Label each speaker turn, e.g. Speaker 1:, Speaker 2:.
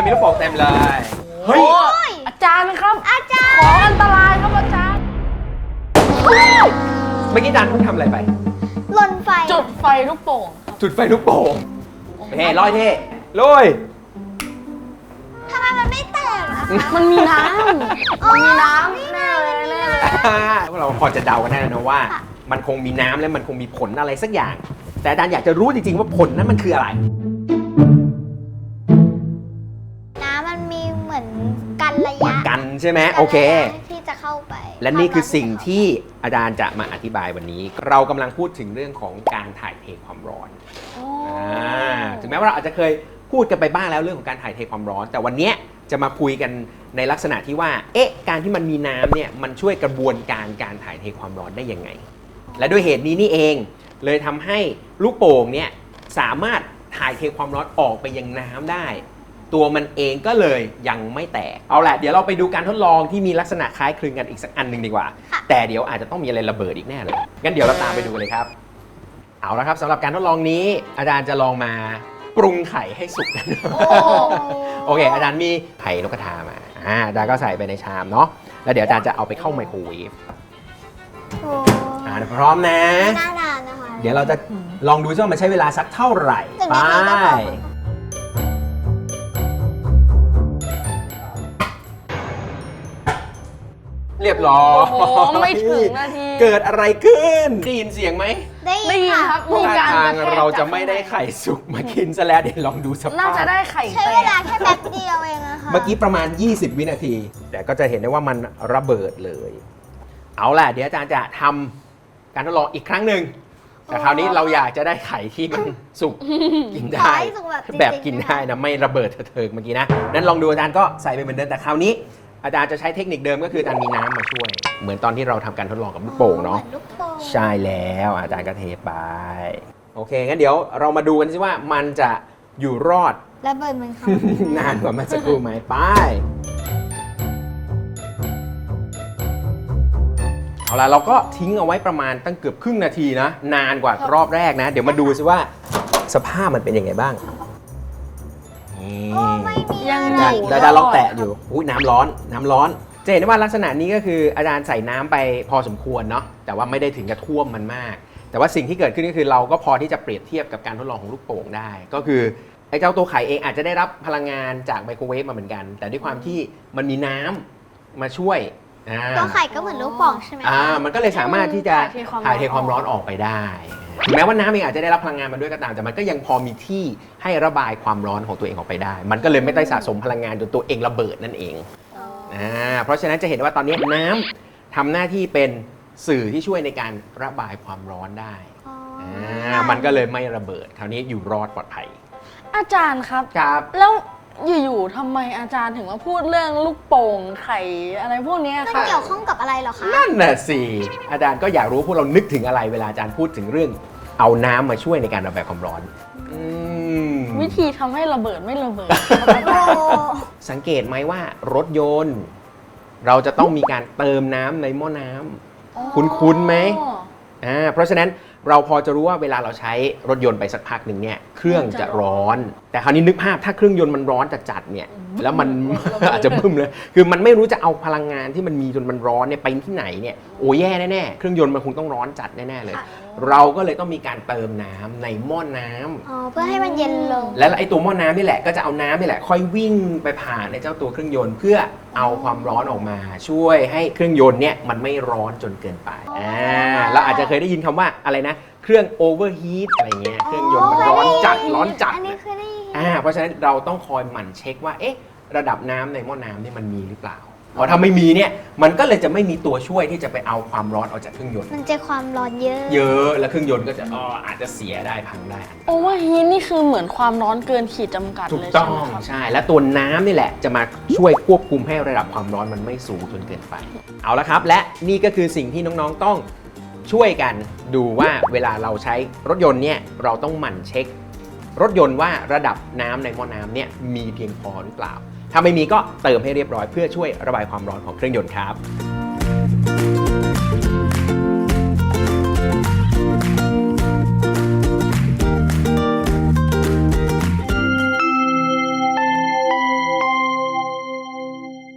Speaker 1: มีลูกโป่งเต็มเลยเฮ้ย
Speaker 2: อาจารย์ครับ
Speaker 3: อาจารย์
Speaker 2: ของอันตรายครับอาจารย์
Speaker 1: เมื่อกี้อาจารย์เพิ่งทำอะไรไป
Speaker 3: หล่นไฟ
Speaker 2: จุดไฟลูกโป่ง
Speaker 1: จุดไฟลูกโป่งเฮ้ลอยเท่ลอย
Speaker 3: ทำไมมันไม่แตกอะคะ
Speaker 2: มันมีน้ำมันมีน้ำแน่เลยแน่เลย
Speaker 1: พวกเราพอจะเดากันได้นะว่ามันคงมีน้ำและมันคงมีผลอะไรสักอย่างแต่อาจารย์อยากจะรู้จริงๆว่าผลนั้นมันคืออะไร
Speaker 3: น้ำมันมีเหมือนกันระยะ
Speaker 1: กันใช่ไหมโอเค
Speaker 3: ที่จะเข้าไป
Speaker 1: และนี่คือสิ่งที่อาจารย์จะมาอธิบายวันนี้เรากำลังพูดถึงเรื่องของการถ่ายเทความร้อนถึงแม้ว่าเราอาจจะเคยพูดกันไปบ้างแล้วเรื่องของการถ่ายเทความร้อนแต่วันนี้จะมาคุยกันในลักษณะที่ว่าการที่มันมีน้ำเนี่ยมันช่วยกระบวนการถ่ายเทความร้อนได้ยังไงและด้วยเหตุนี้นี่เองเลยทำให้ลูกโป่งเนี่ยสามารถถ่ายเทความร้อนออกไปยังน้ำได้ตัวมันเองก็เลยยังไม่แตกเอาแหละเดี๋ยวเราไปดูการทดลองที่มีลักษณะคล้ายคลึงกันอีกสักอันหนึ่งดีกว่าแต่เดี๋ยวอาจจะต้องมีอะไรระเบิดอีกแน่เลยงั้นเดี๋ยวเราตามไปดูเลยครับเอาละครับสำหรับการทดลองนี้อาจารย์จะลองมาปรุงไข่ให้สุกกันโอเคอาจารย์มีไข่นกกระทามาอาจารย์ก็ใส่ไปในชามเนาะแล้วเดี๋ยวอาจารย์จะเอาไปเข้าไมโครเวฟพร้อมนะ
Speaker 3: น่านานนะคะ
Speaker 1: เดี๋ยวเราจะลองดูว่ามันใช้เวลาสักเท่าไหร่ไปเรียบร้อย
Speaker 2: ไม่ถึงนาที
Speaker 1: เกิดอะไรขึ้นได้ยินเสียงไหม
Speaker 3: ได้ยินครับ
Speaker 2: มีการ
Speaker 1: ทางเราจะไม่ได้ไข่สุกมากินซะแล้วเดี๋ยวลองดูสภาพ
Speaker 2: น่าจะได้ไข่
Speaker 3: ใช้เวลาแค่แป๊บเดียวเองนะคะ
Speaker 1: เมื่อกี้ประมาณ20วินาทีแต่ก็จะเห็นได้ว่ามันระเบิดเลยเอาล่ะเดี๋ยวอาจารย์จะทำการทดลองอีกครั้งหนึ่งแต่คราวนี้เราอยากจะได้ไข่ที่มันสุกกินได้แบบกินได้นะไม่ระเบิดเถิกเมื่อกี้นะนั้นลองดูอาจารย์ก็ใส่ไปเหมือนเดิมแต่คราวนี้อาจารย์จะใช้เทคนิคเดิมก็คืออาจารย์มีน้ำมาช่วยเหมือนตอนที่เราทำการทดลองกับลูกโป่งเนาะใช่แล้วอาจารย์ก็เทไปโอเคงั้นเดี๋ยวเรามาดูกันสิว่ามันจะอยู่รอด
Speaker 3: ระเบิดมันเขา
Speaker 1: นานกว่าเมื่อสักครู่ไหมไปเอาล่ะเราก็ทิ้งเอาไว้ประมาณตั้งเกือบครึ่งนาทีนะนานกว่ารอบแรกนะเดี๋ยวมาดูสิว่าสภาพมันเป็นยังไงบ้าง
Speaker 3: ยัง
Speaker 1: ได้ลองแตะอยู่อุ้ยน้ำร้อนจะเห็นได้ว่าลักษณะนี้ก็คืออาจารย์ใส่น้ำไปพอสมควรเนาะแต่ว่าไม่ได้ถึงกับท่วมมันมากแต่ว่าสิ่งที่เกิดขึ้นก็คือเราก็พอที่จะเปรียบเทียบกับการทดลองของลูกโป่งได้ก็คือไอ้เจ้าตัวไข่เองอาจจะได้รับพลังงานจากไมโครเวฟมาเหมือนกันแต่ด้วยความที่มันมีน้ำมาช่วย
Speaker 3: ตัวไข่ก็เหมือนลูกโป่งใช่ไหม
Speaker 1: มันก็เลยสามารถที่จะถ่ายเทความร้อนออกไปได้ถึงแม้ว่าน้ำเองอาจจะได้รับพลังงานมาด้วยก็ตามแต่มันก็ยังพอมีที่ให้ระบายความร้อนของตัวเองออกไปได้มันก็เลยไม่ได้สะสมพลังงานจนตัวเองระเบิดนั่นเองเพราะฉะนั้นจะเห็นว่าตอนนี้น้ำทำหน้าที่เป็นสื่อที่ช่วยในการระบายความร้อนได้มันก็เลยไม่ระเบิดคราวนี้อยู่รอดปลอดภัย
Speaker 2: อาจารย์ครับแล้วอยู่ๆทำไมอาจารย์ถึงมาพูดเรื่องลูกโป่งไข่อะไรพวกนี้
Speaker 3: ค่ะมันเกี่ยวข้องกับอะไรหรอคะ
Speaker 1: นั่นน่ะสิอาจารย์ก็อยากรู้พวกเรานึกถึงอะไรเวลาอาจารย์พูดถึงเรื่องเอาน้ำมาช่วยในการระบายความร้อน
Speaker 2: วิธีทำให้ระเบิดไม่ระเบิด
Speaker 1: สังเกตไหมว่ารถยนต์เราจะต้องมีการเติมน้ำในหม้อน้ำคุ้นๆไหมเพราะฉะนั้นเราพอจะรู้ว่าเวลาเราใช้รถยนต์ไปสักพักหนึ่งเนี่ยเครื่องจะร้อนแต่คราวนี้นึกภาพถ้าเครื่องยนต์มันร้อนจัดๆเนี่ยแล้วมัน อาจจะบึ้มเลยคือมันไม่รู้จะเอาพลังงานที่มันมีจนมันร้อนเนี่ยไปที่ไหนเนี่ยโอ้แย่แน่ๆเครื่องยนต์มันคงต้องร้อนจัดแน่ๆเลยเราก็เลยต้องมีการเติมน้ำในหม้อน้
Speaker 3: ำเพื่อให้มันเย็นลง
Speaker 1: และไอ้ตัวหม้อน้ำนี่แหละก็จะเอาน้ำนี่แหละค่อยวิ่งไปผ่านในเจ้าตัวเครื่องยนต์เพื่อเอาความร้อนออกมาช่วยให้เครื่องยนต์เนี่ยมันไม่ร้อนจนเกินไปเราอาจจะเคยได้ยินคำว่าอะไรนะเครื่องโอเวอร์ฮีทอะไรเงี้ยเครื่องยนต์มันร้อนจัดเพราะฉะนั้นเราต้องคอยหมั่นเช็คว่าระดับน้ำในหม้อน้ำนี่มันมีหรือเปล่าเพราะถ้าไม่มีเนี่ยมันก็เลยจะไม่มีตัวช่วยที่จะไปเอาความร้อนออกจากเครื่องยนต์
Speaker 3: มันจะความร้อนเย
Speaker 1: อะแล้วเครื่องยนต์ก็จะอาจจะเสียได้พังได้
Speaker 2: โอเวอร์ฮีทนี่คือเหมือนความร้อนเกินขีดจำกัดเลย
Speaker 1: ถูกต้องใช่และตัวน้ำนี่แหละจะมาช่วยควบคุมให้ระดับความร้อนมันไม่สูงจนเกินไปเอาละครับและนี่ก็คือสิ่งที่น้องๆต้องช่วยกันดูว่าเวลาเราใช้รถยนต์เนี่ยเราต้องหมั่นเช็ครถยนต์ว่าระดับน้ำในหม้อน้ำเนี่ยมีเพียงพอหรือเปล่าถ้าไม่มีก็เติมให้เรียบร้อยเพื่อช่วยระบายความร้อนของเครื่องยนต์ครับ